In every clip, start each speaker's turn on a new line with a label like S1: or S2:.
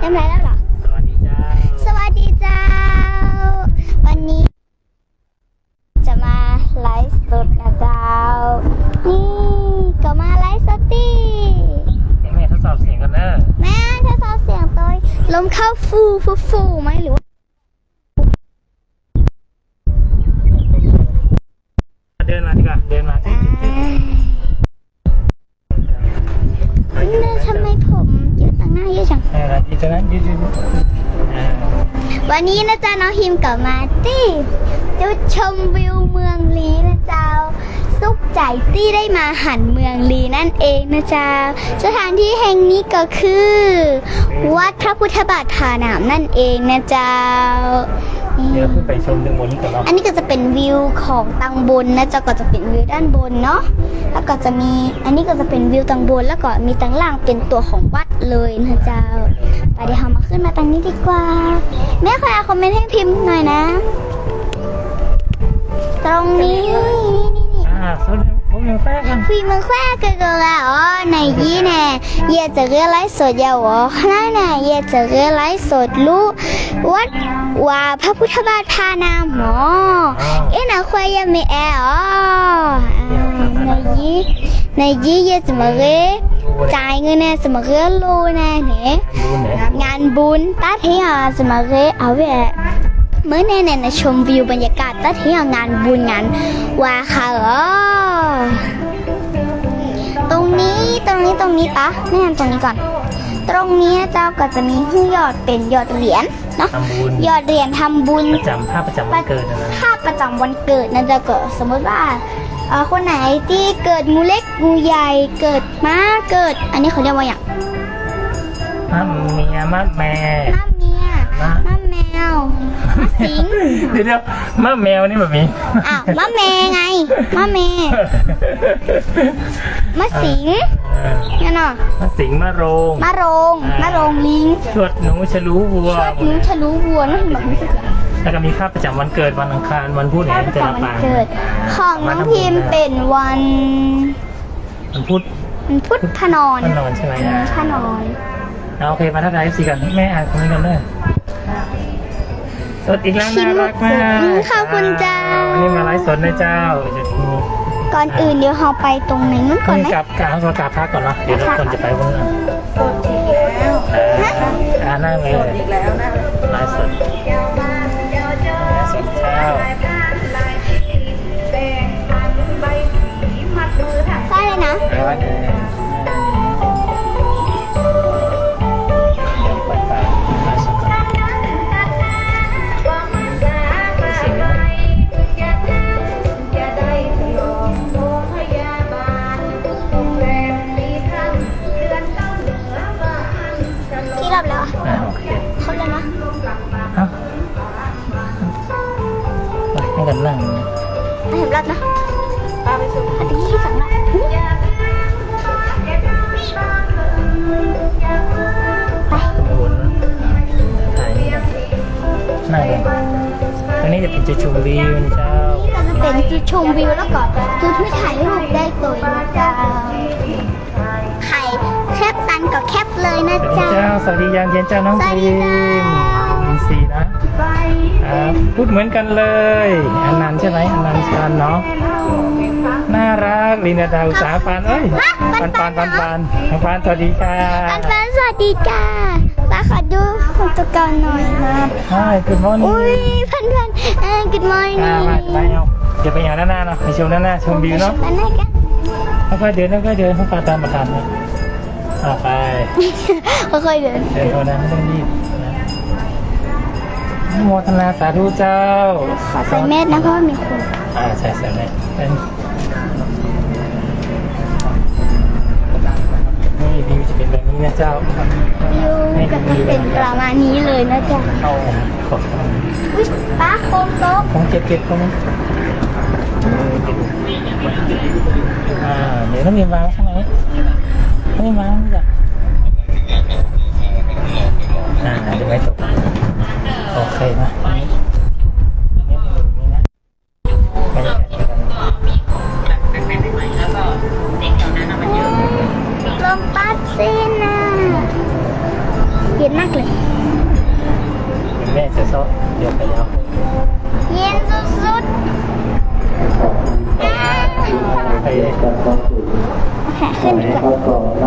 S1: ต็มไรแล้วเหรอ
S2: สวัสดีเจ้า
S1: สวัสดีเจ้าวันนี้จะมาไลฟ์สดนะเจ้านี่ก็มาไลฟ์สดดิ
S2: แม่ทดสอบเสียงกันเนอะ
S1: แม่ทดสอบเสียงตัวลมเข้าฟูไหมหรือว่า
S2: เดินมาดีกว่าเดินมา
S1: เนี่ยทำไมผมเยอะต่างหน้าเยอะจัง
S2: ยืนนะยืน
S1: วันนี้นะจ๊ะน้องฮิมกลับมาที่จุดชมวิวเมืองลีนะเจ้าสุขใจที่ได้มาหันเมืองลีนั่นเองนะจ๊ะสถานที่แห่งนี้ก็คือวัดพระพุทธบาทผาหนามนั่นเองนะเจ้า
S2: เดี๋ยวขึ้นไปชมดึงบนนี้ก่อนเนาะ
S1: อันนี้ก็จะเป็นวิวของตังบนนะเจ้าก็จะเป็นวิวด้านบนเนาะแล้วก็จะมีอันนี้ก็จะเป็นวิวตังบนแล้วก็มีตังล่างเป็นตัวของวัดเลยนะเจ้าไปเดี๋ยวเรามาขึ้นมาตังนี้ดีกว่าแม่ขอคอมเมนต์ให้พิมพ์หน่อยนะตรงนี้
S2: สุดผมยังแฝงกัน
S1: พี่มึงแควกเกลืออ๋อในยี่แน่เย่จะเรียไลฟ์สดยาวอ๋อขนาดไหนเย่จะเรียไลฟ์สดรู้วัดว่าพระพุทธบาทพานามหมอเอ็นะควายยังไม่แออ๋อในยี่เย่จะมาเรียจ่ายเงินเนี่ยจะมาเรียรู้แน่เนี่ยงานบุญตัดให้อ่ะจะมาเรียเอาไว้เมื่อแน่ๆชมวิวบรรยากาศตัดที่งานบุญงานว่าค่ะตรงนี้ปะแน่ตรงนี้ก่อนตรงนี้เจ้าก็จะมียอดเป็นยอดเหรียญเนาะยอดเหรียญทำบุญ
S2: ประจำภาพประจำวันเกิดนะ
S1: ภาพประจำวันเกิดนั่นจะเกิดสมมติว่าคนไหนที่เกิดงูเล็กงูใหญ่เกิดม้าเกิดอันนี้เขาเรียกว่าอย่าง
S2: ม้าเมียม้าแม่
S1: ม้าเมียม้าแมวม้าสิง
S2: เดี๋ยวม้าแมวนี่แบบนี้
S1: ม้าแมวไงม้าแมวม้าสิงเนี่ยเนาะ
S2: ม้าสิงม้าโรง
S1: ลิง
S2: ชวดหนูฉลูวัว
S1: นั่นแบบนี้
S2: แล้วก็มีค่าประจำวันเกิดวันอังคารวันพุธเนี่ยจะรับปาง
S1: ของน้องพิมเป็นวัน
S2: พุธ
S1: พนอน
S2: ใช่ไหม
S1: พนอน
S2: โอเคมาทักทายสิกันแม่อ่านคอมเมนต์กันเลยสดอีกแล้วน่ารักมาก
S1: ขอบคุณเจ้า
S2: นี่มาไลฟ์สดนะเจ้า
S1: ก่อนอื่นเดี๋ยวเราไปตรงไหนนู้นก่อนไหม
S2: กลับพักก่อนเนาะเดี๋ยวเราคนจะไปวันนั้นนั่งเลยไลฟ์สดเช้า
S1: ใช่เลยนะ
S2: ให้กันนั่ง
S1: ให้เห็นรัดนะปาไปชมอันนี้สั่งนะ
S2: ไปวนนะถ่ายนี่นั่งเลยตรงนี้จะเป็นจุดชมวิวเจ้า
S1: จะเป็นจุดชมวิวแล้วก็จุดที่ถ่ายรูปได้ตัวนะเจ้าไข่แคบตันก็แคบเลยนะเจ้า
S2: สวัสดียามเย็นเจ้าน้องพิมสีนะพูดเหมือนกันเลยอันนั้นใช่ไหมอันนั้นชันเนาะน่ารักลีนาดาอุตสาปานเอ้ยปานสวัสดีค่ะ
S1: ปานสวัสดีค่ะป้าขอดูคุณตะกอนหน่อยนะ
S2: ใช่good morning
S1: อุ้ยพันgood morning
S2: ไปเอาเดี๋ยวไปเอาหน้าเนาะไปชมหน้าชมวิวเนาะค่อยๆเดินเขาตามประธานเลยไป
S1: ค่อยๆเดิน
S2: โทษนะไม่ต้องรีบโมทนาสาธุเจ้า
S1: ขอใส่เม็ดนะเพราะมีคน
S2: ใช่เม็ดนี่วิวจะเป็นแบบนี้นะเจ้า
S1: วิวก็จะเป็นประมาณนี้เลยนะเจ้า
S2: ขอบคุณ
S1: ป้าโค้งโต๊ะ
S2: ของเก็บของเดี๋ยวต้องมีวางข้างในไม่วางจ้ะจะไม่ตกโอเคนะนี่นะไม่ได้
S1: ลมพัดเส้นนะเห็นหน้าเลย
S2: แม่จะซ้อเดี๋ยวไปยาว
S1: เย็นสุดๆอ้าว
S2: ไป
S1: แขนขึ้นดีกว่า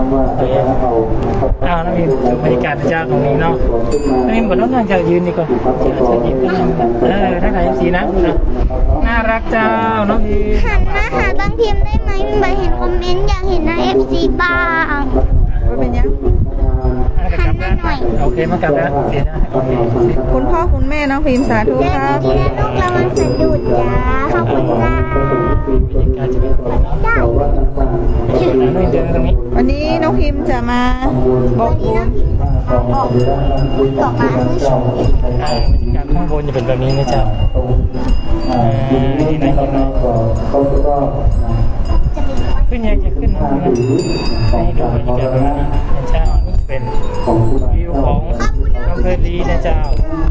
S2: อ้าวน้องพิมดูบรรยากาศเจ้าตรงนี้เนาะน้องพิมบอกน้องนั่งจะยืนดีกว่าจะยืนถ้าใครสีนะน่ารักเจ้าน้องพิม
S1: หันมาหาบางพิมพ์ได้ไหมพิมพ์เห็นคอมเมนต์อยากเห็นหน้า FC บ้าง
S3: ว่าเป็นยัง
S2: กลับแล้วโอเคมากลับแล้วเดี๋ยวนะโอเค
S3: คุณพ่อคุณแม่น้องพิมพ์สาธุ
S1: เดิน
S3: ครับ
S1: ทีละลูกระวังสะดุดจ้าขอบคุณจ้า
S2: การจะเป็นยังไงเนาะ
S1: เจ้า
S2: น้องเดินตรงนี้
S3: วันนี้น้องพิมพ์จะมาบอกบุญ
S1: ต่อมาผู้ชม
S2: บรรยากาศข้างบนจะเป็นแบบนี้นะเจ้าที่ไหนกันเนาะ
S1: จะเป็นคน
S2: ขึ้นยังจะขึ้นนะให้ดูบรรยากาศแบบนี้นะเจ้านี่เป็นวิวของอำเภอลีนะเจ้า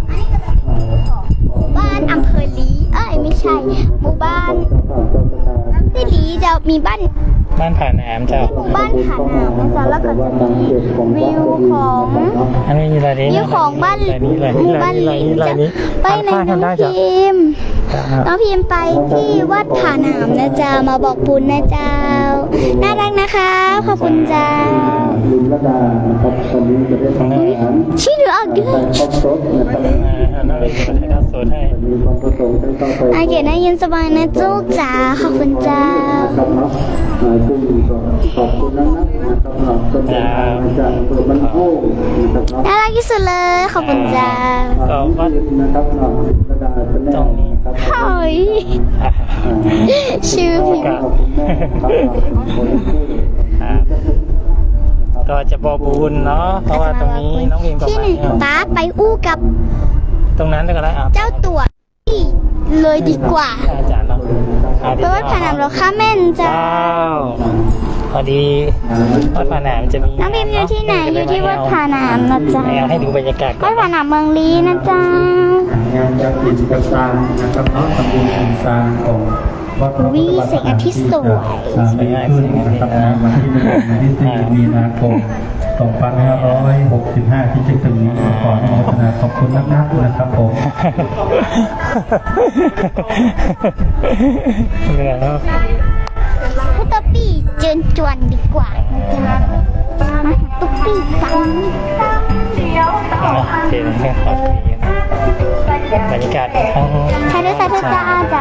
S1: บ้านอำเภอลีไม่ใช่หมู่บ้านที่ลีจะมีบ้าน
S2: บ้านผ่านแหนมเจ้า
S1: หมู่บ้านผาหนามนะจ๊ะแล้วก็จะมีวิวของ
S2: อันนี้มีอะไรนี้
S1: วิวของบ้าน
S2: อะไรนี้อะไร
S1: ห
S2: นี้
S1: มู่
S2: อะไร
S1: บ้าน
S2: นี้อะไร
S1: ลิ
S2: นี้
S1: ง
S2: อะไร
S1: จะ
S2: นี้
S1: ไปไหน
S2: ข้างกันได้
S1: น้อง
S2: จ้ะ
S1: พิมพ์น้องพิมพ์ไปที่วัดผาหนามนะจ๊ะมาบอกบุญนะเจ้าน่ารักนะคะขอบคุณจ้าชื่อหนูออกด้วย
S2: น่าเล่นจะไปถ่ายทอดสดให้
S1: อาเกดได้ยินสบายนะจุกจ๋าขอบคุณจ้า น่ารักที่สุดเลยขอบคุณจ้า
S2: ก็วัดตรงนี้
S1: เฮ้ยชื่อพิมพ์
S2: ก็จะบอกบุญเนาะเพราะว่าตรงนี้น้องพิมพ์กับ
S1: ที่หนึ่ง
S2: มา
S1: ป้าไปอู้กับ
S2: ตรงนั้นก็ได้
S1: เจ้าตัวเลยดีกว่า
S2: อาจารย์เนาะ
S1: เพราะว่าผนังเราข้าแม่นจ้า
S2: เจ้าพอดีวัดผาหนามจะมี
S1: น้องพิมพ์อยู่ที่ไหนอยู่ที่วัดผาหนามนะจ๊ะ
S2: ให้ดูบรรยากาศก่
S1: วั
S2: อ
S1: ด
S2: น
S1: ผาหนามเมืองลีนะจ๊ะ
S4: งานจัดกิจกรรมสร้างนะครับเนาะทำบุญสร้างของวัดพระพุทธบาท
S1: วิแสงอาทิตย์สวย
S4: สร้างขึ้นนะครับนะวันที่1วันที่4มีนาคม2565ที่จะถึงนี้ขออนุโมทนาขอบคุณนักๆนะครับผม
S2: เหนื่อยแล้ว
S1: พุทธปี้เจิญจวนดีกว่านะจ๊ะมาหาตุ๊กปี้กัน
S2: เห็นแค่ขอบคุณบรรยากาศทั้ง
S1: ใช่ด้วยสาธุจ้าจ้า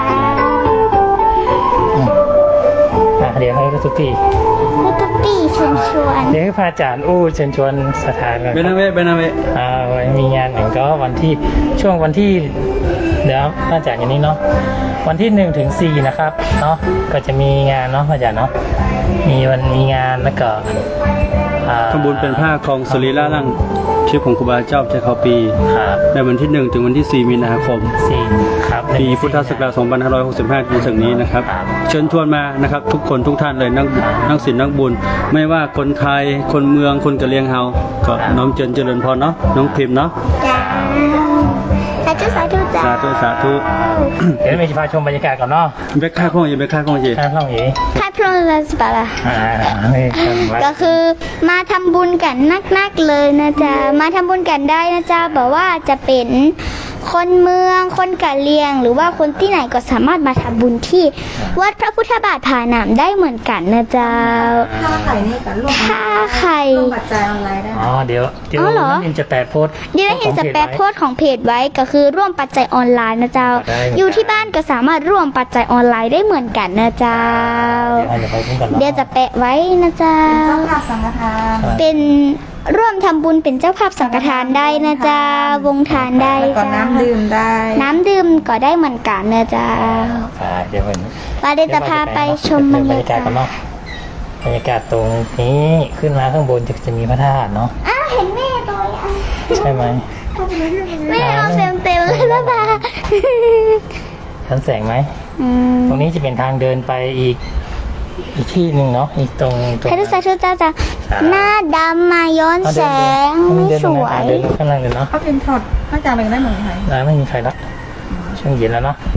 S2: เดี๋ยวให้ทุกที
S1: พุทธปี้เชิญชวน
S2: เดี๋ยวให้พระอาจารย์อู้เชิญชวนสถานก่อน
S4: เบนาเวเบนาเว
S2: มีงานหนึ่งก็วันที่ช่วงวันที่เดี๋ยวพระอาจารย์อย่างนี้เนาะวันที่1 ถึง 4นะครับเนาะก็จะมีงานเนาะพระอาจารย์เนาะมีงานแล้วก็
S4: ทำบุญเป็นผ้าคลองสุริราลังชื่อของครูบาเจ้าเจ้าเขาปี
S2: ครับ
S4: ในวันที่1ถึงวันที่4มีนาคม
S2: 4ครับ
S4: ปีพุทธศักราช2565ที่ถึงนี้นะครับ เชิญชวนมานะครับ ทุกคนทุกท่านเลยนักศีลนักบุญ ไม่ว่าคนไทยคนเมืองคนกะเหรี่ยงเฮาก็น้อมเจริญพรเนาะน้องพิมพ์เนาะ
S1: จ้าสาธุสาธุจ้า
S4: สาธุสาธุ
S2: เดี๋ยวมีพาชมบรรยากาศก่อนเนาะ
S4: เบคค่าข้องยีเบคค่าข้องยี
S2: ท่านท่องหยี
S1: ใครพร้อมแล้วสิบะล่ะ
S2: นี่กันไว้
S1: ก็คือมาทำบุญกันนักๆเลยนะจ๊ะมาทำบุญกันได้นะจ๊ะบอกว่าจะเป็นคนเมืองคนกะเหรี่ยง หรือว่าคนที่ไหนก็สามารถมาทำบุญที่วัดพระพุทธบาทผาหนามได้เหมือนกันนะจ๊ะ
S3: ค่าไข่นี่กันร่วม
S1: ถ้าใคร
S3: ร่วมปัจจัยออนไลน์ได้
S2: เดี๋ยว
S1: อ๋อเหรอ
S2: น้องพิมจะแปะโพสต์
S1: เดี๋ยวเห็นจะแปะโพสต์ของเพจไว้ก็คือร่วมปัจจัยออนไลน์นะเจ้า
S2: ได้เหมือนกัน
S1: อยู่ที่บ้านก็สามารถร่วมปัจจัยออนไลน์ได้เหมือนกันนะเจ้า
S2: เดี๋ยวไปพุ่งกัน
S1: เดี๋ยวจะแปะไว้นะเจ้า
S3: เจ้าภาพสังฆทาน
S1: เป็นร่วมทำบุญเป็นเจ้าภาพสังฆทานได้นะจ๊ะวงทานได้
S3: แล้วก็
S1: จ้า
S3: น้ำดื่มได้
S1: น้ำดื่มก็ได้เหมือนกันนะจ๊ะ
S2: เดี๋ยวมัน
S1: ปาเดยวจะพาไปชมบรรยากาศ
S2: กันเนาะบรรยากาศตรงนี้ขึ้นมาข้างบนจะมีพระธาตุเนาะ
S1: เห็นแม่ตัวอ่ะ
S2: ใช่ไหม
S1: แม่เอาเต็มเลยนะบ้า
S2: ทันแสงไหมตรงนี้จะเป็นทางเดินไปอีกที่หนึ่งเนาะอีกตรง
S1: ให้ดูสาธุจ้าจ้าหน้าดำมาย้อนแสง
S2: เดิน
S1: ส
S2: ตรง
S1: ว
S2: นั้น
S1: ย
S2: เดินข้างล่างเลยเนาะ
S3: เขาเป็นถอดพระอาจารย์เป็นได้เหมือนไทย
S2: ไม่มีใครละช่วงเย็นแล้วเนาะ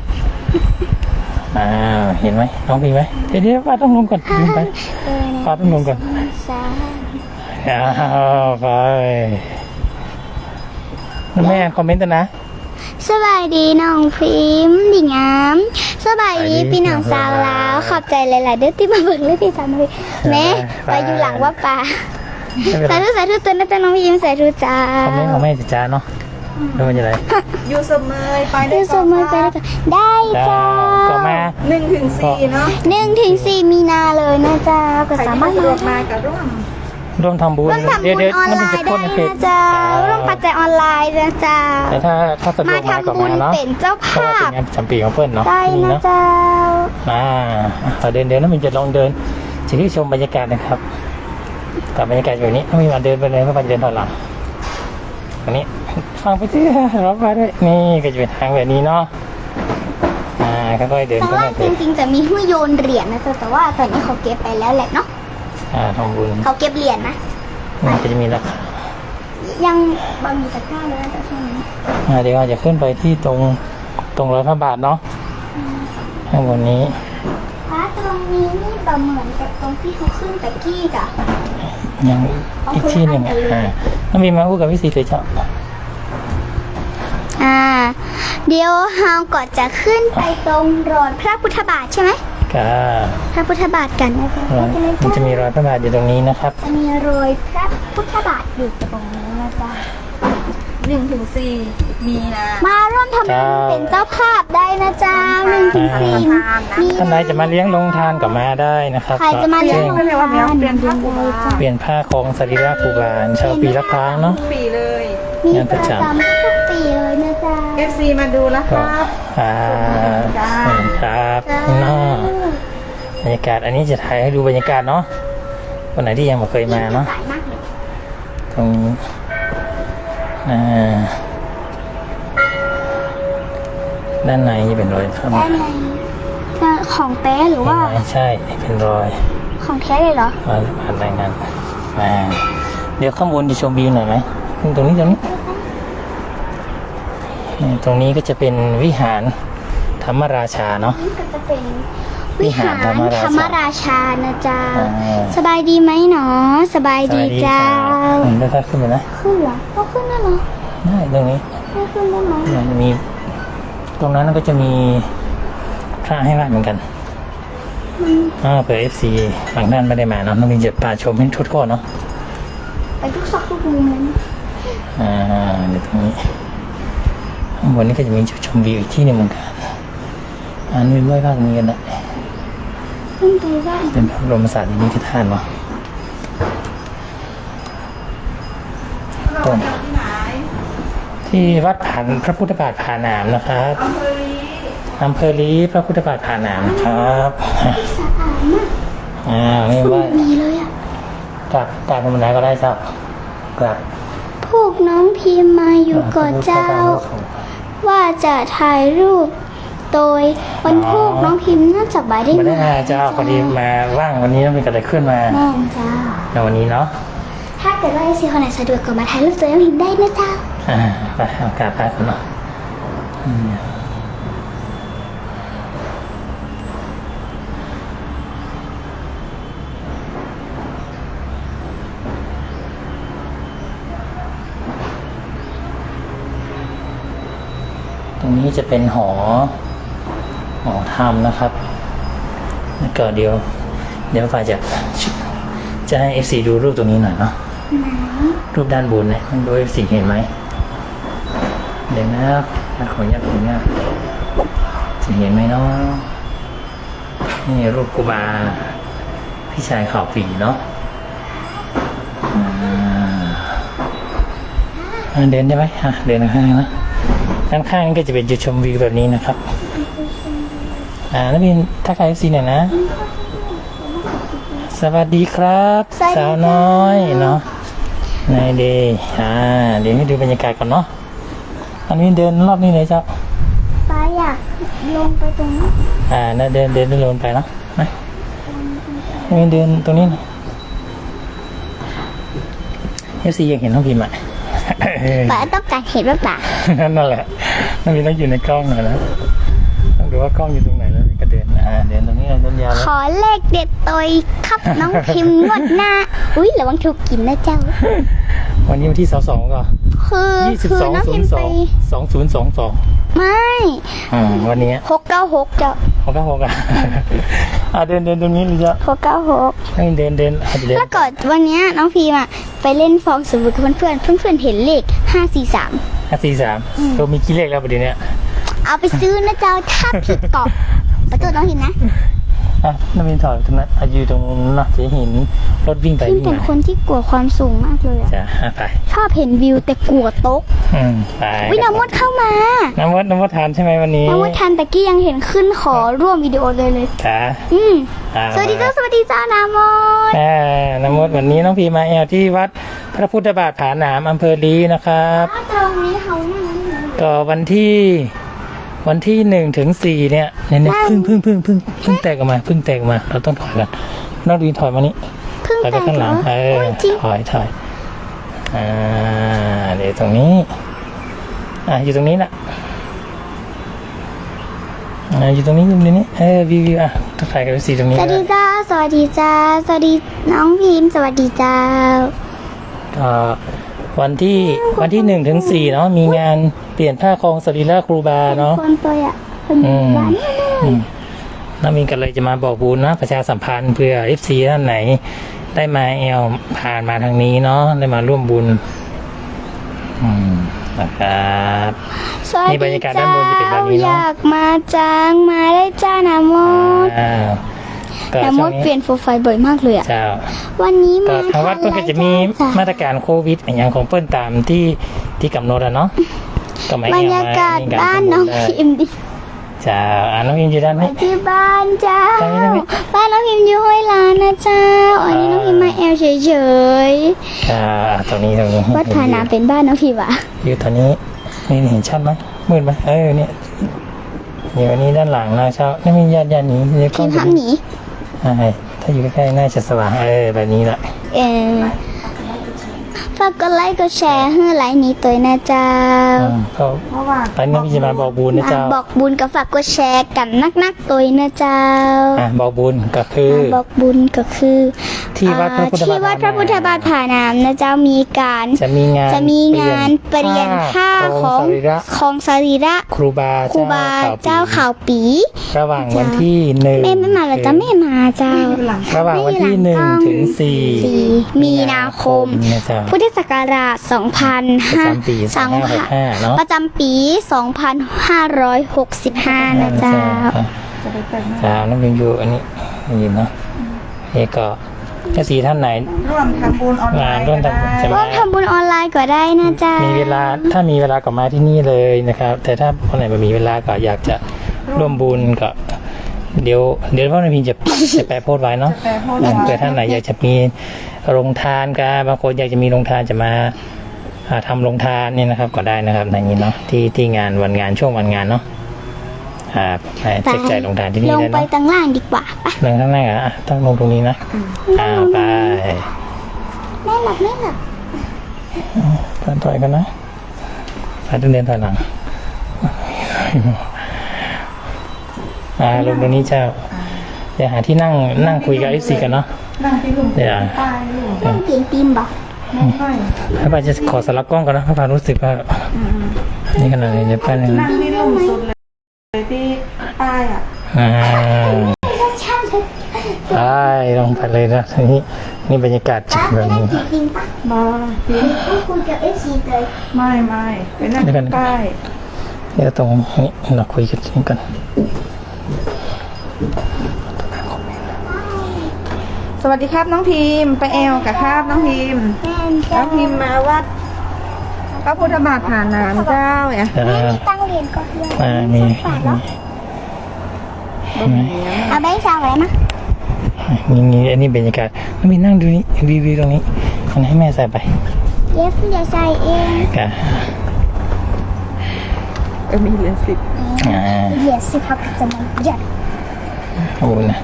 S2: เห็นไหมน้องพีไหมเดี๋ยวป้าต้องลงก่อนลงไปป้าต้องลงก่อนไปแม่คอมเมนต์นะ
S1: สบายดีน้องพิมพ์ดีงามสบายดีพี่น้องสาวลาวขอบใจหลายๆเด้อที่มาเบิ่งเลยพี่สาวน้องพิมพ์แม่ไปอยู่หลังว่าป่าสาธุสาธุตัวนะจ๊ะน้องพิมพ์สาธุจ้า
S2: คอมเมนต์ของแม่จ้าเนาะดูมันจะไร
S3: อยู่เสมอไปได้
S1: ดูสมัยไปแล้วกันได้จ้า
S2: ก็มา
S3: 1-4เนาะ
S1: 1-4 มีนาเลยนะจ๊ะก็
S3: ใคร
S1: สา
S3: ที่
S1: มารถ
S3: สะดวก
S1: มา
S3: มากับร่วม
S2: ร่วมทำบุญ
S1: ร่วมทำบุญ
S2: เดี๋ยว
S1: ออน
S2: น้ำ
S1: ไล
S2: มันจะ
S1: น์
S2: พ่
S1: ได้
S2: นในเพจ
S1: นะจ๊ะร่วมปัจจัยออนไลน์นะจ๊ะ
S2: แต่ถ้าสะดว
S1: มาก
S2: มาก็
S1: ทำบุ
S2: มา
S1: ญ
S2: เนาะ
S1: เป็นเจ้า
S2: เพราะว่า
S1: ภา
S2: เป็น
S1: พ
S2: งานประจำปีของเพื่อนเนาะ
S1: ได้
S2: นี่
S1: นะ
S2: เนาะ
S1: จ๊ะ
S2: เดินน้ำมันจะลองเดินจะที่ชมบรรยากาศนะครับแต่บรรยากาศแบบนี้ไม่มาเดินไปเลยเพราะมันจะเดินถอยหลังอันนี้ฟังไปที่รับมาด้วยนี่ก็จะเป็นทางแบบนี้เนาะค่อยๆเดิน
S1: แต่
S2: เข้า
S1: ว่า
S2: มา
S1: จริงๆจะมีให้โยนเหรียญนะจ๊ะแต่ว่าตอนนี้เขาเก็บไปแล้วแหละเนาะ
S2: ทำบุญ
S1: เขาเก็บเหรียญนะ
S2: มันก็จะมีราคา
S1: ยังบางมีตะกร้าเลยนะจ๊ะช่วงนี้
S2: เดี๋ยวเราจะขึ้นไปที่ตรงร้อยพระบาทเนาะข้างบนนี้
S1: ตรงนี้นี่ประเหมือนกับตรงที่เขาขึ้นตะกี้กะ
S2: ยังอีกที่หนึ่งน้องมีมาพูดกับพี่สีเลยเจ้า
S1: เดี๋ยวเฮาก็จะขึ้นไปตรงรอยพระพุทธบาทใช่ไหม
S2: ก็
S1: พระพุทธบาทกันนะจ๊ะ
S2: มันจะมีรอยพระบาทอยู่ตรงนี้นะครับ
S1: จะมีรอยพระพุทธบาทอยู่ตรงนี้นะจ๊ะ
S3: 1-4 มีนา
S1: มาร่วมทำบุญเป็นเจ้าภาพได้นะจ๊ะ1-4มี
S2: ท่านใดจะมาเลี้ยงลงทานก็มาได้นะครับ
S1: ใครจะมาเลี้ยง
S2: ก็
S1: ลงทาน
S3: เปลี่ยนผ้าครูบา
S2: เปลี่ยนผ้าของสรีระครูบาเช่าปีละครั้งเนาะ
S3: ปีเลย
S1: มีประจำทุกปีเลยนะจ๊ะ
S3: FC มาดูแล้วค
S2: ก็
S3: รับ
S2: ครับเนาะบรรยากาศอันนี้จะถ่ายให้ดูบรรยากาศเนาะคนไหนที่ยังไม่เคยมาเนาะ
S1: สายมากเลย
S2: ตรงนี้ด้านในนี่เป็นรอยครับ
S1: ด้านในของแป้หรือว่า
S2: ใช่เป็นรอย
S1: ของแท้เลยเหรอ
S2: มาผ่านรายงานเดี๋ยวข้างบนจะชมวิวหน่อยไหมตรงนี้ตรงนี้ก็จะเป็นวิหารธรรมราชาเนาะ
S1: นี่ก็จะเป็นวิหารธรรมราชานะจ๊ะ สบายดีไหมหนอสบายดีจ้า
S2: ได้ค่าขึ้นเลยนะ
S1: ขึ้นเหรอก็ขึ้นได้เหรอ
S2: ได้ตรงนี้
S1: ไม่ขึ้นได้ไหม
S2: มันมีตรงนั้นก็จะมีพระให้ไหว้เหมือนกันเผื่อ FC ฝั่งด้านไม่ได้มาเนาะน้องมินจะพาชมให้ทุกคนเนาะ
S1: ไปทุกซอกทุกมุมเลยนะ
S2: เดี๋ยวตรงนี้ข้างบนนี้ก็จะมีจุดชมวิวอีกที่หนึงเหมือนกันมีไหว้พระตรงนี้กันได้
S1: ขึ้นไปได้
S2: เป็นพระบรมสารีริกธาตุเนาะตรงที่วัดพระพุทธบาทผาหนามนะครับอำเภอลีพระพุทธบาทผาหนามนะครับ
S1: สะอาดมาก
S2: นี่ว่า
S1: ดีเลยอ่ะ
S2: กราบธรรมดาก็ได้ครับกราบ
S1: พวกน้องพิมพ์มาอยู่ก่อนเจ้า ว่าจะถ่ายรูป โดยวันพวกน้องพิมพ์น่าจะบ่ายได้
S2: มาได้มาเจ้าพอดีมาว่างวันนี้ต้องมีกระไรขึ้นมา
S1: แม่นจ้า
S2: ในวันนี้เนาะ
S1: ถ้าเกิดว่าไอซีคนไหนสะดวกก็มาถ่ายรูปตัวน้องพิมพ์ได้นะเจ้า
S2: ไปเอากราบพระกันเนาะตรงนี้จะเป็นหอธรรมนะครับแล้วก็เดี๋ยวฝ่ายจะให้ FC ดูรูปตรงนี้หน่อยเนาะรูปด้านบนเนี่ยมันดู FC เห็นไหมเดี๋ยวนะขออนุญาตจะเห็นไหมเนาะนี่รูปครูบาพี่ชายข่าวปีเนาะเดินได้ไหมเดินข้างๆนะด้านข้างก็จะเป็นจุดชมวิวแบบนี้นะครับแล้วมีทักทาย FC หน่อยนะ สวัสดีครับสาวน้อยเนาะในเดย์เดี๋ยวให้ดูบรรยากาศก่อนเนาะอันนี้เดินรอบนี้เลยเจ้า
S1: ป้าอยากลงไปตรงนี้
S2: น่าเดินลงไปเนาะนะนี่เดินตรงนี้FC ยังเห็นน้องพิมพ์
S1: ป้าต้องการเห็นว่าป่า
S2: นั่นแหละน้องพิมพ์ต้องอยู่ในกล้องหน่อยนะต้องดูว่ากล้องอยู่ตรงไหนแล้วก็เดินเดินตรงนี้เดินยาว
S1: ขอเลขเด็ดตัวครับน้องพิมพ์งวดหน้า อุ้ยระวังถูกกินนะเจ้า
S2: วันนี้วันที่22ก็
S1: ขคือน้องพิมพ์ไป
S2: 2022
S1: ไม่
S2: วันนี้
S1: 696จ้ะ
S2: 696อ่ะ เดินตรงนี้เลยจ้ะ
S1: 696
S2: ให้เดินเดิน
S1: แล้วก่อนวันเนี้ยน้องพิมพ์อะไปเล่นฟองสบู่กับเพื่อนเห็นเลข543
S2: 543ตัวมีกี่เลขแล้วประเดี๋ยวนี้
S1: เอาไปซื้อนะเจ้าถ้าผิดกรอบประตูน้องพิมพ์นะ
S2: น้ำมินถอยตรงนั้นอยู่ตรงนั้นนะจะเห็นรถวิ่งไป
S1: พิมพ์
S2: วิ่ง
S1: เป็น
S2: มา
S1: คนที่กลัวความสูงมากเลยอะ
S2: จ้ะไป
S1: ชอบเห็นวิวแต่กลัวตก
S2: ไป
S1: วิน้ำมดเข้ามา
S2: น้ำมดทานใช่ไหมวันนี้
S1: น้ำมดทันตะกี้ยังเห็นขึ้นขอร่วมวิดีโอเลย
S2: จ้ะ
S1: สวัสดีเจ้าน้ำมด
S2: น้ำมดวันนี้น้องพีมาแอลที่วัดพระพุทธบาทผาหนามอำเภอลีนะครับ
S1: ตรงนี้เขานั่ง
S2: ก็วันที่1 ถึง 4เนี่ยพึ่งแตกออกมาเราต้องถอยกันน้องดีถอยมานี่
S1: เพิ่ง
S2: ถอยไป
S1: แต่ง
S2: ข้างห
S1: เหร
S2: ลั
S1: อง
S2: เออ
S1: จริง
S2: ถอยเดี๋ยวตรงนี้อยู่ตรงนี้แหละอยู่ตรงนี้วิวถ่ายกันสีตรงนี้
S1: สวัสดีจ้าสวัสดีน้องพิมพ์สวัสดีเจ้า
S2: วันที่1 ถึง 4เนาะมีงานเปลี่ยนผ้าคลองสรีระครูบาเนาะ
S1: คนตัวอ่ะคนร้านนี่เลย
S2: น้ามีกันเลยจะมาบอกบุญนะประชาสัมพันธ์เพื่อ FC ท่านไหน ได้มาผ่านมาทางนี้เนาะได้มาร่วมบุญนะครับ
S1: สวัส
S2: นี่บรร
S1: ดี
S2: ยากาศ
S1: เจ้า
S2: ด้านบนจะเป็นแบบนี้เนอะ
S1: อยากมาจังมาได้จ้าน้ำมด
S2: ก็
S1: น้ำมดเปลี่ยนโปรไฟล์บ่อยมากเลยอ่ะ
S2: เจ้า
S1: วันนี้
S2: ก็
S1: มา
S2: ทางวัดก็จะมีมาตรการโควิดอย่างของเปิ้ลตามที่กำหนดเนาะก็ไม่
S1: บรรยากาศบ้านน้องพิมพ์ดิ
S2: เจ้าน้องพิมอยู่ด้าน
S1: ไป
S2: นี้
S1: ที่บ้านเจ้า
S2: ไปไหม
S1: บ้านน้องพิมพ์อยู่ห้วยลานนะเจ้าอันนี้น้องพิมพ์มาแอลเฉย
S2: ตรงนี้
S1: ๆวัดผาน้ำเป็นบ้านน้องพิมพ์อ่ะ
S2: อยู่ตอนนี้นี่เห็นชัดไหมมืดไหมเนี่ยอยู่อันนี้ด้านหลังนะเช้านี่มีญาติหนีในกล้
S1: พิ
S2: อง
S1: มพ์ห้ามหนี
S2: ถ้าอยู่ใกล้ๆน่าจะสว่างแบบนี้แหละ
S1: ฝากกดไลค์กดแชร์ให้ไลค์นี้ตัวนะเจ้า
S2: ก็ตอนนี้พี่จะมาบอกบุญนะเจ้า
S1: บอกบุญกับฝากกดแชร์กันนักๆตัวนะเจ้า
S2: บอกบุญก็คือ
S1: บอกบุญก็คือ
S2: ที่วัดพระพุทธบาท
S1: ที่วัดพระพุทธบาทผาน้ำนะเจ้ามีการ
S2: จะมีงาน
S1: เปลี่ยนผ้าของสรีระ
S2: ครูบา
S1: เจ้าข่าวปี
S2: ระหว่างวันที่1
S1: แม่ไม่มาหรอจ้าแม่มาเจ้า
S2: ระหว่างวันที่1 ถึง 4
S1: มีนาคม
S2: นะเจ้า
S1: พุทธศักราช
S2: 2565เนาะ
S1: ประจำปี 2565 นะเจ้า
S2: จ้าน้องพิมอยู่อันนี้ยินเนาะก็ถ้าสีท่านไหน
S3: ร่วมทำบุญออนไลน์
S2: ร่วม
S3: ก็
S2: ทำบุญ
S3: ได้
S1: ร่วมทำบุญออนไลน์ก็ได้นะจ๊ะ
S2: มีเวลาถ้ามีเวลาก็มาที่นี่เลยนะครับ แต่ถ้าคนไหนไม่มีเวลาก็อยากจะร่วมบุญก็เดี๋ยวพ่อในพิมจะแปะโพสต์ไว้เนาะเผื่อท่านไหนอยากจะมีโรงทานกันบางคนอยากจะมีโรงทานจะมาทำโรงทานเนี่ยนะครับก็ได้นะครับในนี้เนาะที่งานวันงานช่วงวันงานเนาะแจกจ่ายโรงทานที่นี่
S1: ลง
S2: ได้
S1: ไป
S2: เนาะ
S1: ตั้งล่างดีกว่าไป
S2: ลงข้างล่างต้องลงตรงนี้นะไป
S1: ไม่หลับ
S2: ถอยกันนะไปต้องเดินถอยหลังลงตรงนี้เจ้าเดี๋ยวหาที่นั่งคุยกับ FC กันเนาะ
S3: นั่งที่ลุง
S2: เดี๋ยว
S3: ป้ายอยู่
S1: ต้องกินติมบ่
S3: ไม่ค่อย
S2: พระบาจะขอสลับกล้องกันนะพระบารู้สึกว่านี่ขนาดนี้เดี๋ยวแป๊บนึง
S3: นั่งที่ลุงสุดเลยที่ป้ายอ่ะ
S1: ใช่เลย
S2: ไปลงไปเลยนะนี่บรรยากาศจัดแบบนี้
S1: จริงปะ
S3: มาพี่
S1: ต้องคุยกับ FC เลย
S3: ไม่ไปนั่งที่ป้าย
S2: เดี๋ยวตรงนี้เราคุยกันจริงกัน
S3: สวัสดีครับน้องพิมพ์ไปแอลกับครับน้องพิมพ์
S1: แม่
S3: น้องพิมพ์มาวัดพระพุทธบาทผาน้ำเจ้าเนี่ย
S1: มีตั้งเหรียญก็เยอะ
S2: มี
S1: เอาแบงค์สาวไว้มา
S2: นี่อันนี้บรรยากาศแล้วมีนั่งดูนี่วิวตรงนี้อันให้แม่ใส่ไป
S1: เดี๋ยวใส่เอง
S2: กะ
S3: มีเหรียญ10
S1: เหรียญสิครับจะมันหยัด
S2: โอ้นะ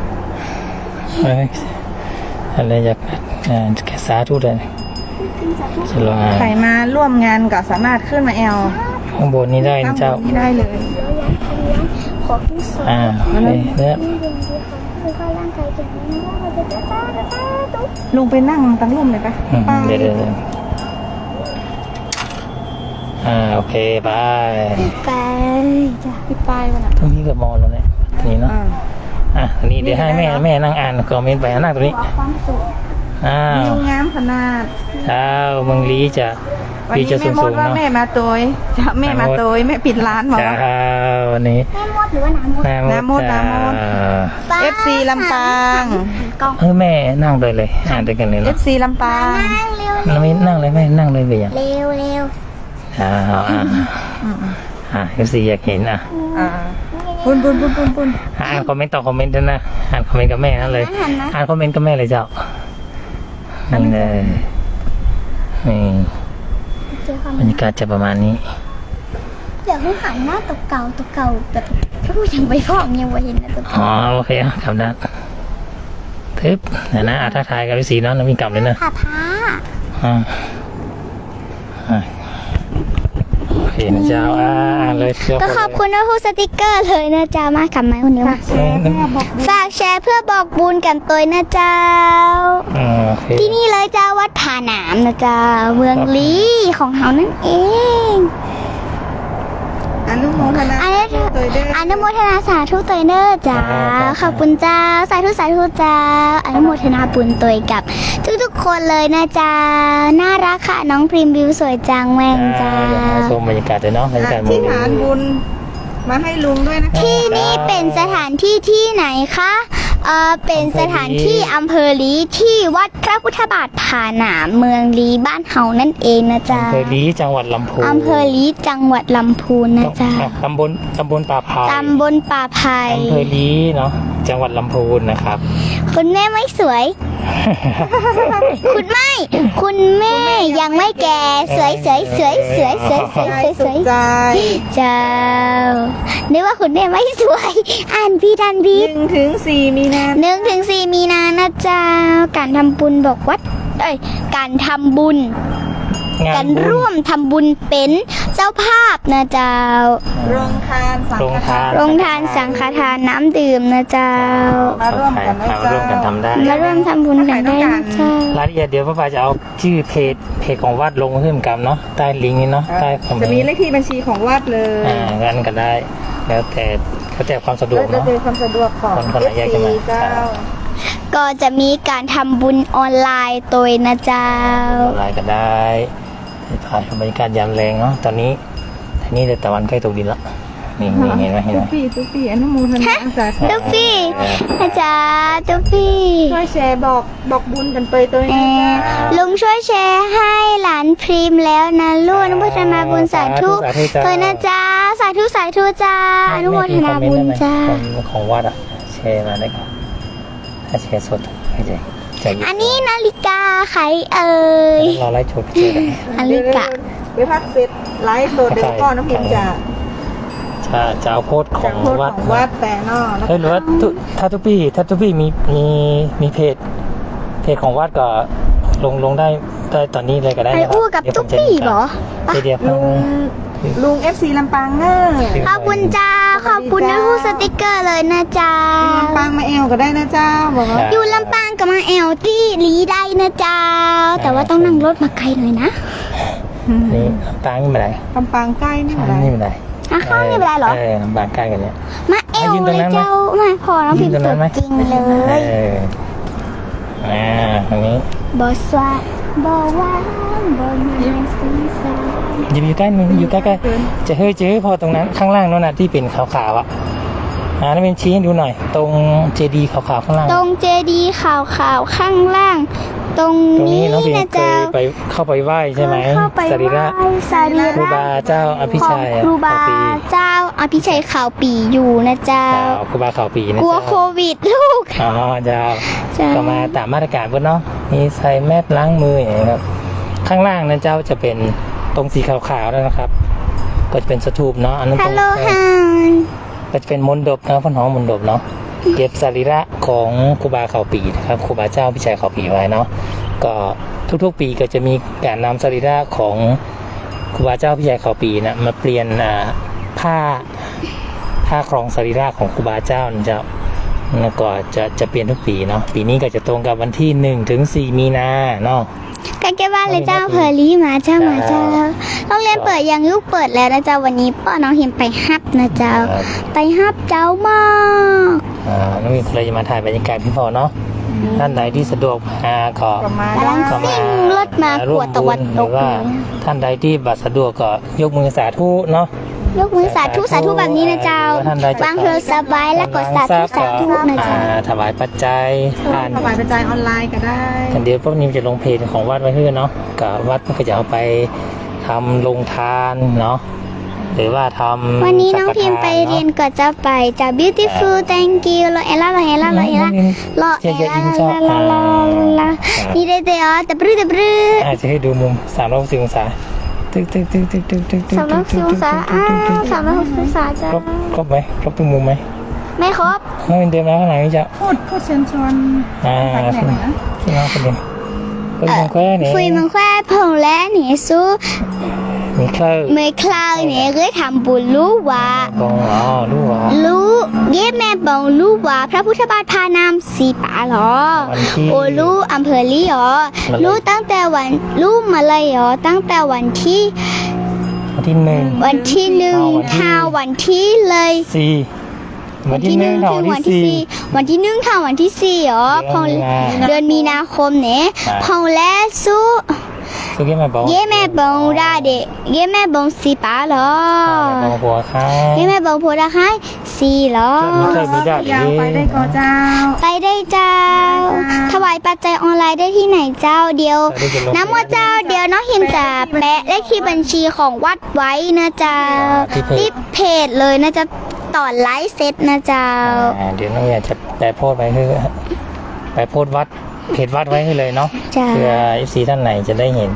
S2: อะไรอยากแค่สาธุเลยจะลอง
S3: ใครมาร่วมงานก็สามารถขึ้นมาแอล
S2: ข้างบนนี้ได้นะเจ้า
S3: นี่ได้เลย
S1: ขอผู้สอน
S2: เนี่ย
S1: คือข้าร่างกายแข็งแรงว่าเราจะจ้าตุ๊ก
S3: ลุงไปนั่งตั้งร่มเลยปะป้าย
S2: เดี๋ยวโอเคบาย
S1: ไปจ้ะ
S3: พี่ป้ายมันอ่ะ
S2: ตรงนี้ก็มองแล้วเนี่ยตรงนี้เนาะ อันนี้เดี๋ยวให้แม่นั่งอ่านคอมเมนต์ไปนั่งตรงนี้
S1: ความสุข
S3: วิวงามขนาด
S2: เช้าเมืองลีจะ
S3: วัน
S2: ลี
S3: นี้
S2: จะ
S3: แม่ม
S2: สู
S3: ด
S2: งๆ
S3: ว่า
S2: เนาะ
S3: แม่มาตัวจะแม่มาตัวแม่ปิดร้านหมอ
S2: เช้าวันนี้
S1: แม่มดหรือว่าน้ำมด
S2: น้ำมด
S3: น้ำมด FC ลำปาง
S1: กล้อง
S2: แม่นั่งเลยอ่านด้วยกันเลยเนาะ
S3: FC ลำปาง
S1: นั่งเร็ว
S2: เราไม่นั่งเลยแม่นั่งเลยไปอย่าง
S1: เร็วเร็ว
S2: FC อยากเห็น
S3: ปุน
S2: อ่านคอมเมนต์ต่อคอมเมนต์ด้วยนะอ่านคอมเมนต์กับแม่นั่นเลยอ่านคอมเมนต์กับแม่เลยเจ้านี่เลยนี่
S1: เจอความ
S2: บรรยากาศจะประมาณนี้
S1: เดี๋ยวให้หันหน้าตัวเก่าแบบถ้าพูดยังไปฟ้องยังไม่เห็นนะตัวเก่า
S2: อ๋อโอเคกลับด้านทึบเดี๋ยวนะทักทายกับฤาษีเนาะแล้วมีกลับเลยนะ
S1: ผ้าผ้า
S2: โอเคนะเจ้าอ่านเลยเชื่อ
S1: ก็ขอบคุณนะผู้สติกเกอร์เลยนะจ๊ะมากับไม้คนนี้มา
S3: แชร์เพื่อบอก
S1: ฝากแชร์เพื่อบอกบุญกันตัวนะเจ้า
S2: โอเค
S1: ที่นี่เลยเจ้าวัดผาหนามนะเจ้าเมืองลีของเขานั่นเอง
S3: อนุโมทนา
S1: อันนี้
S3: ตัวเด้อ
S1: อนุโมทนาสาธุตัวเนอร์จ้าขอบคุณเจ้าสาธุเจ้าอนุโมทนาบุญตัวกับทุกๆคนเลยนะจ้าน่ารักค่ะน้องพริมวิวสวยจังแม่งจ้า
S2: เดี๋ยวมาชมบรรยากาศเลยเนาะบรรยากาศ
S3: ที่ฐานบุญมาให้ลุงด้วยนะคะ
S1: ที่นี่เป็นสถานที่ที่ไหนคะเป็นสถานที่อำเภอลีที่วัดพระพุทธบาทผาหนามเมืองลีบ้านเฮานั่นเองนะจ๊ะ
S2: อำเภอลีจังหวัดลำพูน
S1: อำเภอลีจังหวัดลำพูนนะจ๊ะ
S2: ตำบลป่าพาย
S1: ตำบลป่าไผ่
S2: อำเภอลีเนาะจังหวัดลำพูนนะครับ
S1: คุณแม่ไม่สวย คุณแม่ยังไม่แก่สวยเจ้านึกว่าคุณแม่ไม่สวย อ่านพี่ทันพี
S3: 1-4 มีนา
S1: 1-4 มีนานะเจ้าการทำบุญบอกวัดการทำบุญ
S2: งา
S1: กัน น
S2: บุญ
S1: ร่วมทำบุญเป็นเจ้าภาพนะเจ้า
S3: โรงทานสังฆทาน
S1: โรงทานสังฆทานน้ำดื่มนะเจ้า
S3: มาร่วมกันนะ
S2: มา
S3: เจ้า
S2: ร่วมกันทำได้
S1: มาร่วมทำบุญกันได้นะเจ้าร
S2: ายละเอียดเดี๋ยวป้าปาจะเอาชื่อเพจของวัดลงเพิ่มกันเนาะใต้ลิงก์นี้เนาะใต้คอมเมน
S3: จะมี
S2: ต์
S3: เลขที่บัญชีของวัดเลย
S2: งั้นก็ได้ แล้วแต่ความสะดวก
S3: แล้ว
S2: เนาะ
S3: จะความสะดวกของ
S2: คนไหนอยากจะมา
S3: เจ้า
S1: ก็จะมีการทำบุญออนไลน์ตัวนะเจ้า
S2: อะไรก็ได้ถ่ายบรรยากาศยามแรงเนาะตอนนี้แต่ตะวันใกล้ตกดินแล้วนี่เห็นไหม
S3: ตุ๊กปี้อนุโมทนาสาธุ
S1: ตุ๊กพี่อาจารย์ตุ๊กพี่
S3: ช่วยแชร์บอกบุญกันไปตัว
S1: เอ
S3: นี้
S1: อลุงช่วยแชร์ให้หลานพริมแล้วนะลูกอนุโมทนาบุญสาธุตัวนะจ้าสาธุจ้าอนุโมทนาบุญจ้า
S2: ของวัดอะแชร์มาได้ก่อนถ้าแชร์สดไม่ใช่แจก
S1: อันนี้นาฬิกาใครเอ่ย
S2: เราไล่ชดเจอ
S1: นาฬิกา
S3: ไปพักเสร็จไลฟ์สดเดี๋ยวก็น้องพิมจะ
S2: จะเอาโพสต์ข
S3: จา
S2: อก ง
S3: โพสต์
S2: วัด
S3: ของวัดแต่นอกนะ
S2: หรือว่าถ้าทุกปีมีเพจของวัดก็ลงได้ตอนนี้เลยก็ได้
S1: ไอ
S2: นะครับ
S1: อู้กับตุ๊กปี้เหรอ
S2: เดี๋ยว
S3: ลุง FC ลำปางเนอร์
S1: ขอบคุณจ้าขอบคุณนะผู้สติกเกอร์เลยนะจ้า
S3: ลำปางมาเอวก็ได้นะเจ้าบอกว่า
S1: อยู่ลำปางกับมาแอลที่ลีได้นะจ้าแต่ว่าต้องนั่งรถมาไกลหน่อยนะ
S2: นี่ลำปางนี่ไม่ได้
S3: ลำปางใกล้นี่อะไร
S2: นี่ไม่ได้
S1: อ่ะข้างนี่เป็นไรเหรอ
S2: ลำปางใกล้กันเนี่ย
S1: มาแอลเลยเจ้ามาพอน้องพิมพ์ตัวจริงเลย
S2: ตรงนี้
S1: บอสว่าบอว่าบอมีสีสัน
S2: อยู่ใกล้มึงอยู่ใกล้ๆจะเจอพอตรงนั้นข้างล่างนั่นน่ะที่เป็นขาวๆอ่ะนั่นเป็นชี้ให้ดูหน่อย ตรงเจดีขาวๆข้างล่าง
S1: ตรงเจดีขาวๆข้างล่าง ตรง
S2: ตรง
S1: นี้
S2: นี้น้องพิม
S1: นะ
S2: เค
S1: เจ้าย
S2: ไปเข้าไปไหว้ใช่ไหม
S1: เข้าไป
S2: สรีระ
S1: สรี
S2: ครู
S1: ระ
S2: บาเจ้าอภิ
S1: ของ
S2: ชัย
S1: ครูบา
S2: ขาวปี
S1: เจ้าอภิชัยขาวปีอยู่นะเจ้า
S2: ครูบาขาวปีนะ
S1: กลัว
S2: เจ้า
S1: โควิดลูก
S2: อ๋อเจ้า
S1: เจ้า
S2: ก็มาตามมาตรการเพื่อนเนาะมีใส่แมสล้างมืออย่างเงี้ยครับข้างล่างนั้นเจ้าจะเป็นตรงสีขาวๆนั่นนะครับ ก็จะเป็นสถูปเนาะอันนั้นต
S1: ฮั
S2: ร
S1: ล
S2: ง
S1: โหลฮาน
S2: ก็จะเป็นมณฑปนะพ่อน้องมณฑปเนาะเก็บสรีระของครูบาเขาปีนะครับครูบาเจ้าพิชัยเขาปีไว้เนาะก็ทุกๆปีก็จะมีการนำสรีระของครูบาเจ้าพิชัยเขาปีนะมาเปลี่ยนผ้าครองสรีระของครูบาเจ้านะเจ้าแล้วก็จะเปลี่ยนทุกปีเนาะปีนี้ก็จะตรงกับวันที่1 ถึง 4 มีนาเนาะ
S1: ใกล้ๆบ้านเลยเจ้าเพอรี่มาเจ้าโรงเรียนเปิดยังลูกเปิดแล้วนะเจ้าวันนี้ป้อน้องหิมไปฮับนะเจ้า ไปฮับเจ้ามาก
S2: น้องมีคนเลยจะมาถ่ายบรรยากาศพี่พอเนาะท่านใดที่สะดวกมาก็
S3: ประมาณ
S1: กำลัง
S2: ก็
S1: ซิ่งรถมาขวดตะวัน
S2: ห
S1: ต
S2: รื
S1: ก
S2: อว่าท่านใดที่บัตรสะดวกก็ยกมือสาธุเนาะ
S1: ยกมือสาธุสาธุแบบนี้นะเจ้า
S2: ท่านใดจะ
S1: วางเพลสบายแล้วก็สาธุสาธุนะเจ้า
S2: ถวายปัจจัยผ่าน
S3: ถวายปัจจัยออนไลน์ก็ได้
S2: เดี๋ยวพวกนี้จะลงเพจของวัดไว้เพื่อเนาะกับวัดก็จะเอาไปทำลงทานเนาะหรือว่าทำ
S1: วันนี้น้องพิมพ์ไปเรียนก็จะไปจาก beautiful thank you รอเอล่ารอเอล่ารอเอล่ารอเอล่านี่ได้แต่แต่บรื้อแต่บรื้อ
S2: อาจจะให้ดูมุม360 องศาตึก
S1: 360องศา360องศาจ้า
S2: ครบไหมครบทุกมุมไหม
S1: ไม่ครบ
S2: น้องเดินมาข้างหลังนี่จะ
S3: พูดเชิญชวน
S2: ขึ้นมาคนเดียวคุยมังแควนี่
S1: คุยมังแควผงและหนีสู้
S2: มีเครื่อง
S1: เมื่อคราวเนี่ยเคยทำบุญรู้ว่า
S2: บองรู้ว่า
S1: รู้เย็บแม่บองรู้ว่าพระพุทธบาทพานามสีป่าหรอ
S2: วันที่
S1: โอรู้อำเภอลี่หรอรู้ตั้งแต่วันรู้มาเลยหรอตั้งแต่วันที่
S2: วันที่ 1
S1: วันที่หนึ่งท่าวันที่เลย
S2: 4วันที่1ถึงวันที่ 4
S1: วันที่หนึ่งท่าวันที่สี่หรอพงเดือนมีนาคมเนี่ยพงและสู้
S2: สุกี้แม่บอก
S1: เย่แม่บองราเดเย่แม่บองสีป่าหรอ
S2: บองหัวค่ะ
S1: เย่แม่บองโพดาคายสีหรอ
S2: มีเคยมีได้
S3: ยาวไปได้ก็เจ้า
S1: ไปได้เจ้า ถวายปัจจัยออนไลน์ได้ที่ไหนเจ้าเดียว น้ำว่าเจ้าเดียวน้องหิมจะแปะเลขที่บัญชีของวัดไว้นะเจ้าที่เพจเลยนะจะต่อไลฟ์เซตนะเจ้า
S2: เดี๋ยวน้องอยากจะแปะโพสต์ไปคือไปโพสต์วัดเพจวัดไว้ให้เลยเนาะ
S1: จ้า
S2: เพื่อ FC ท่านไหนจะได้เห็น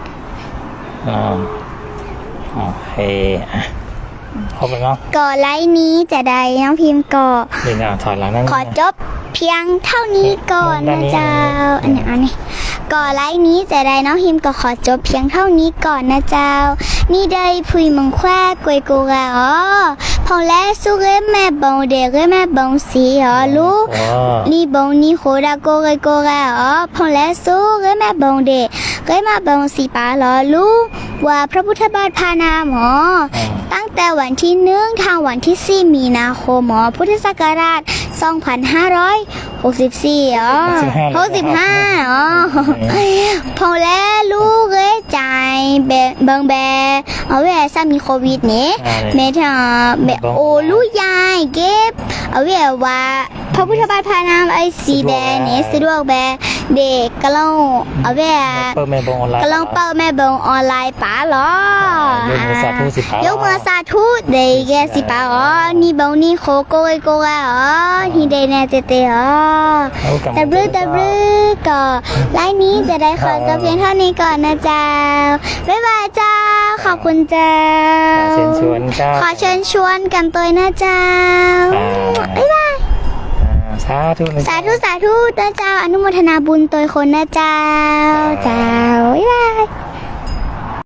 S2: โอเคครบแล้วเนาะ
S1: ก่อไลฟ์นี้จะได้น้องพิมพ์ก่อ
S2: นี่นะถอยหลังนั่น
S1: ขอจบเพียงเท่านี้ก่อนนะเจ้าอันนี้ก่อไลฟ์นี้จะได้น้องพิมพ์ก็ขอจบเพียงเท่านี้ก่อนนะเจ้า นี่ได้พุยมังแควกวยกูกะอ๋อพอแล้วสู้เรื่องแม่บงเด็กเรื่องแม่บงสีอ๋อลูก นี่บงนี่โคดาโกเกโกกะอ๋อพอแล้วสู้เรื่องแม่บงเด็กเรื่องแม่บงสีป้าหรอลูกว่าพระพุทธบาทพานามหมอตั้งแต่วันที่1ทางวันที่4มีนาคมหมอพุทธศักราช2564อ๋อ65อ๋อพอแล้วลูกเอ้ยใจเบิงแบเอาไว้ซามีโควิดเนี่ยเมทาเมโอลูกยายเก็บเอาไว้ว่าพระพุทธบาทพานามไอซีแบเนี่ยสะดวกแบเด็กก็ลองเอาไว้
S2: เปิดแม่บองออนไลน์
S1: ก็ลองเปิดแม่บงออนไลน์ป๋าหรอย
S2: กมือสาธุสิป๋าย
S1: กมือสาธุเด็กแกสิป๋าอ๋อนี่บงนี่โคโกยโกะอ๋อนี่เดนเจเตอ๋อแต่บลื้อก็ไลน์นี้จะได้ขอจบเพียงเท่านี้ก่อนนะเจ้าบ๊ายบายเจ้าขอบคุณเจ้า
S2: เชิญชวนเจ้า
S1: ขอเชิญชวนกันตัวนะเจ้าบ๊ายบาย
S2: สาธุนะ
S1: สาธุนะเจ้าอนุโมทนาบุญตัวคนนะเจ้าเจ้าบ๊ายบาย